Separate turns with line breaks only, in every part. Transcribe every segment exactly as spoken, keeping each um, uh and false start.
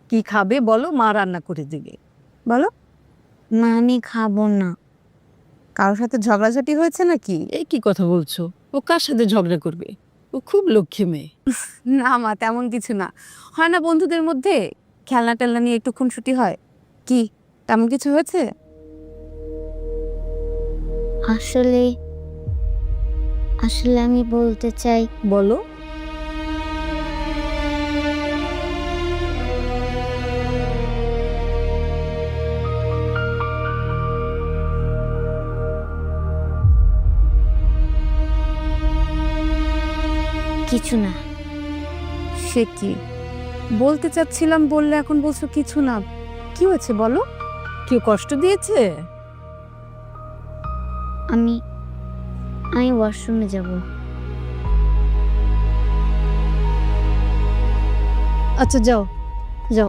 কি খাবে বলো, মা রান্না করে দিবে। বলো।
মা আমি খাবো না।
কারোর সাথে ঝগড়াঝাটি হয়েছে নাকি? এই কি কথা বলছো? ও কার সাথে ঝগড়া করবে? ও খুব লক্ষ্মী মেয়ে।
না মা, তেমন কিছু না। হয় না বন্ধুদের মধ্যে খেলনা টেলনা নিয়ে একটু খুনসুটি হয়, কি তেমন কিছু হয়েছে?
আসলে আসলে আমি বলতে চাই,
বলো।
কিছু না।
সে কি বলতে চাচ্ছিলাম বললে এখন বলছো কিছু না? কি হয়েছে বলো?
কেউ কষ্ট দিয়েছে?
আমি আমি ওয়াশরুমে যাব।
আচ্ছা যাও যাও।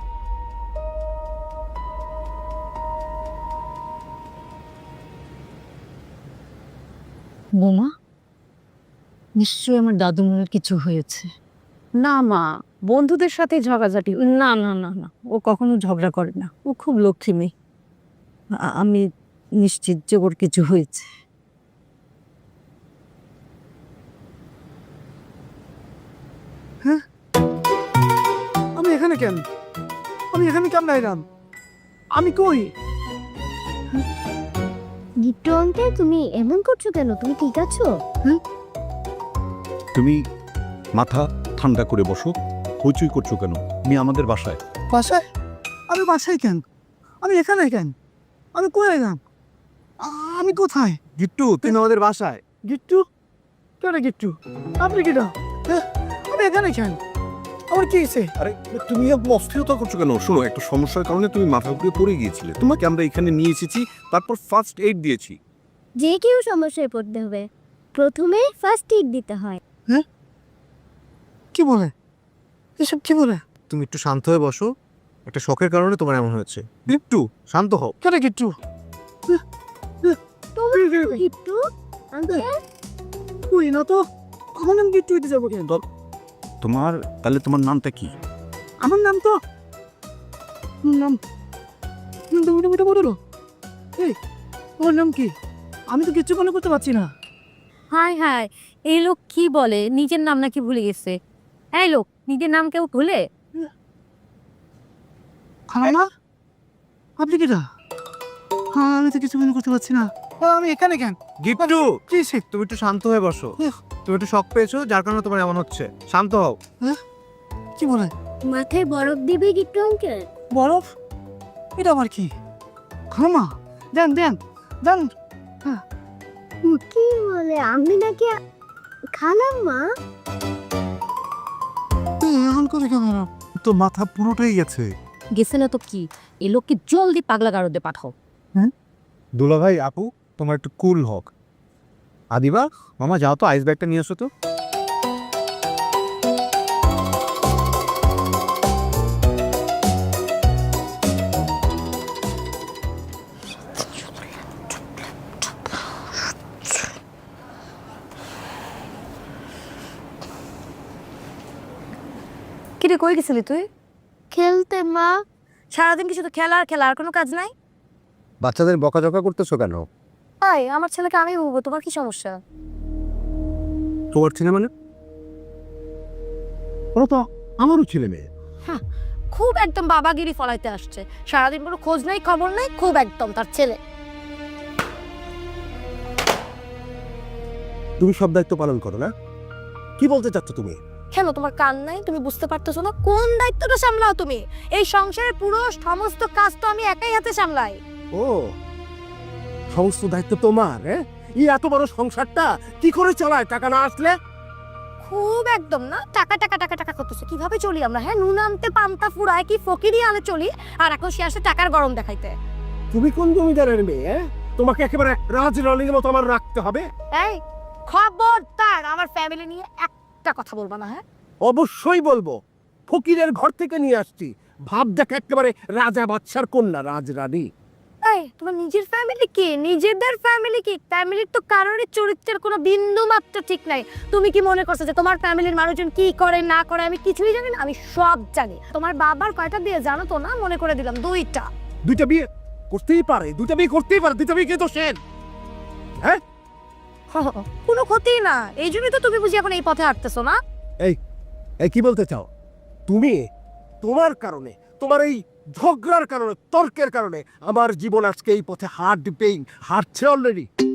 বোমা, নিশ্চয়ই আমার দাদুমনের কিছু হয়েছে।
না মা, বন্ধুদের সাথে ঝগড়াঝাটি।
না না না না, ও কখনো ঝগড়া করে না। ও খুব লক্ষ্মী মেয়ে। আ- আমি নিশ্চিত যে ওর কিছু হয়েছে।
আমি এখানে কেন? আমি এখানে কেমন আইলাম? আমি কই?
গিট্টু আঙ্কেল, তুমি এমন করছো কেন? তুমি ঠিক আছো?
তুমি মাথা ঠান্ডা করে বসো। হইচই করছো কেন? আমি আমাদের বাসায়।
বাসায়? আমি বাসায় কেন? আমি এখানে কেন? আমি কই আইলাম? আ- আমি কোথায়?
গিট্টু, তুমি আমাদের বাসায়।
গিট্টু? কেন গিট্টু? আপনি কিটা? হ্যাঁ? আমি এখানে কেন? আমার কি হয়েছে?
আরে তুমি অস্থিরতা করছো কেন? শোনো, একটা সমস্যার কারণে তুমি মাথা উপরে পড়ে গিয়েছিলে। তোমাকে আমরা এখানে নিয়ে এসেছি, তারপর ফার্স্ট এইড দিয়েছি।
যে কেউ সমস্যায় পড়তে হবে, প্রথমে ফার্স্ট এইড দিতে হয়।
কি বলে? এসব কি বলে?
তুমি একটু শান্ত হয়ে বসো। একটা শখের কারণে তোমার এমন হয়েছে।
গিট্টু,
শান্ত হও।
কেন গিট্টু?
গিট্টু আঙ্কেল,
কই না তো। আমার নাম গিট্টু হইতে যাবো কেন?
তোমার তাহলে তোমার নামটা কি?
আমার নাম তো নাম নাম তো মোটামুটি বলো। এই ওর নাম কি? আমি তো কিচ্ছু মনে করতে পারছি না।
হাই হাই, এই লোক কি বলে? নিজের নাম নাকি ভুলে গেছে? এই লোক নিজের নাম কেউ ভুলে?
খালাম্মা, আপনি কিটা? হ্যাঁ, আমি তো কিছু মনে করতে পারছি না। হ্যাঁ, আমি এখানে কেন?
গিট্টু,
কি সে?
তুমি একটু শান্ত হয়ে বসো।
উহ।
তুমি একটু শখ পেয়েছো, যার কারণে তোমার এমন হচ্ছে। শান্ত হও।
কি বলে?
মাথায় বরফ দিবে গিট্টু আঙ্কেল?
বরফ? এটা আবার কি? খালাম্মা, দেন দেন দেন।
কি বলে? আমি নাকি খালাম্মা?
এই, এখন করে কেমন?
তো মাথা পুরোটাই গেছে।
গেছে না তো কি? এই লোককে জলদি পাগলা গারদে পাঠাও।
দুলা ভাই, আপু, তোমার একটু কুল হোক। আদিবা, মামা যাও তো, আইস ব্যাগটা নিয়ে এসো তো।
কিরে, কই গেছিলি তুই?
খেলতে মা।
সারাদিন কি শুধু খেলা আর খেলা, আর কোনো কাজ নাই?
বাচ্চাদের বকাঝকা করতেছো কেন?
তাই আমার ছেলেকে আমি বলবো, তোমার কি সমস্যা?
তোমার ছেলে মানে? ওরা তো আমারও ছেলে মেয়ে।
খুব একদম বাবাগিরি ফলাইতে আসছে। সারাদিন কোনো খোঁজ নাই, খবর নাই, খুব একদম তার ছেলে।
তুমি সব দায়িত্ব পালন করো না? কি বলতে চাচ্ছ তুমি?
কেন, তোমার কান নাই? তুমি বুঝতে পারতেছো না কোন দায়িত্বটা সামলাও তুমি? এই সংসারের পুরো সমস্ত কাজ তো আমি একাই হাতে সামলাই।
ও, সমস্ত দায়িত্ব তোমার? হ্যাঁ, এই এত বড় সংসারটা কি করে চালায় টাকা না আসলে?
খুব একদম না, টাকা টাকা টাকা টাকা করতেছে। কিভাবে চলি আমরা? হ্যাঁ, নুন আনতে পান্তা ফুরায় কি ফকিরি আনে চলি, আর এখন সে আসে টাকার গরম দেখাইতে।
তুমি কোন জমিদারের মেয়ে? হ্যাঁ, তোমাকে একেবারে রাজরানীর মতো আমার রাখতে হবে।
এই খবরদার আমার ফ্যামিলি নিয়ে একটা কথা বলবা না। হ্যাঁ,
অবশ্যই বলবো। ফকিরের ঘর থেকে নিয়ে আসছি, ভাব দেখ একেবারে রাজা বাদশার কন্যা, রাজরানী।
এই তোমার নিজের ফ্যামিলি কি, নিজেদের ফ্যামিলি কি? ফ্যামিলির তো কারোরই চরিত্রের কোনো বিন্দু মাত্র ঠিক নাই। তুমি কি মনে করছো যে তোমার ফ্যামিলির মানুষজন কি করে না করে আমি কিছুই জানি না? আমি সব জানি। তোমার বাবার কয়টা বিয়ে জানো তো না? মনে করে দিলাম দুইটা।
দুইটা বিয়ে করতেই পারে, দুইটা বিয়ে করতেই পারে, দুইটা বিয়ে কে দোষের? হ্যাঁ,
কোনো ক্ষতি না, এই জন্যই তো তুমি বুঝি এখন এই পথে হাঁটতেছো না?
এই এই কি বলতে চাও তুমি? তোমার কারণে, তোমার এই ঝগড়ার কারণে, তর্কের কারণে আমার জীবন আজকে এই পথে হাঁটবেই, হাঁটছে অলরেডি।